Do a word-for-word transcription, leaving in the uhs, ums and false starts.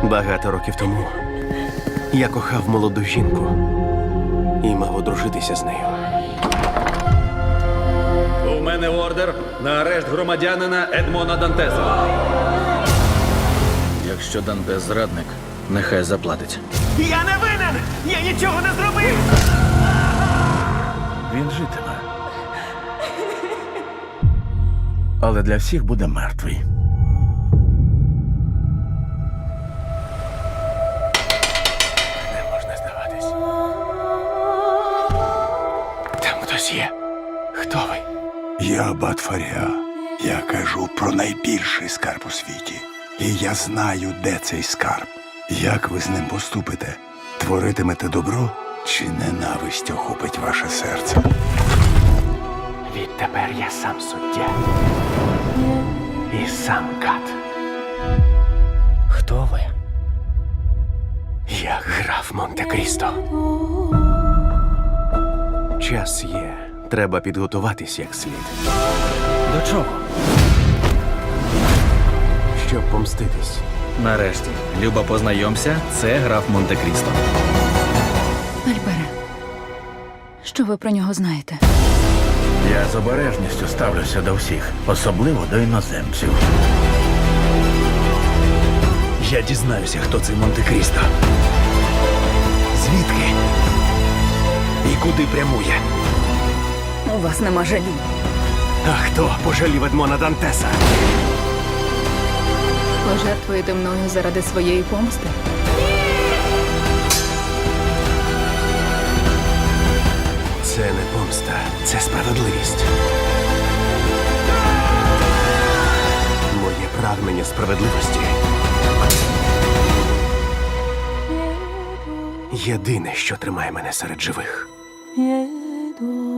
Багато років тому я кохав молоду жінку і мав одружитися з нею. У мене ордер на арешт громадянина Едмона Дантеса. Якщо Дантес зрадник, нехай заплатить. Я не винен! Я нічого не зробив! Він житиме. Але для всіх буде мертвий. Не можна здаватись. Там хтось є. Хто ви? Я Батфаря. Я кажу про найбільший скарб у світі. І я знаю, де цей скарб. Як ви з ним поступите? Творитимете добро чи ненависть охопить ваше серце? Відтепер я сам суддя. І сам кат. Хто ви? Я граф Монте-Крісто. Час є. Треба підготуватись як слід. До чого? Щоб помститись. Нарешті, Люба, познайомся, це граф Монте-Крісто. Альбере, що ви про нього знаєте? Я з обережністю ставлюся до всіх, особливо до іноземців. Я дізнаюся, хто цей Монте-Крісто. Звідки? І куди прямує? У вас нема жалі. А хто пожалів Едмона Дантеса? Пожертвуєте мною заради своєї помсти? Це не помста, це справедливість. Моє прагнення справедливості єдине, що тримає мене серед живих. Jedu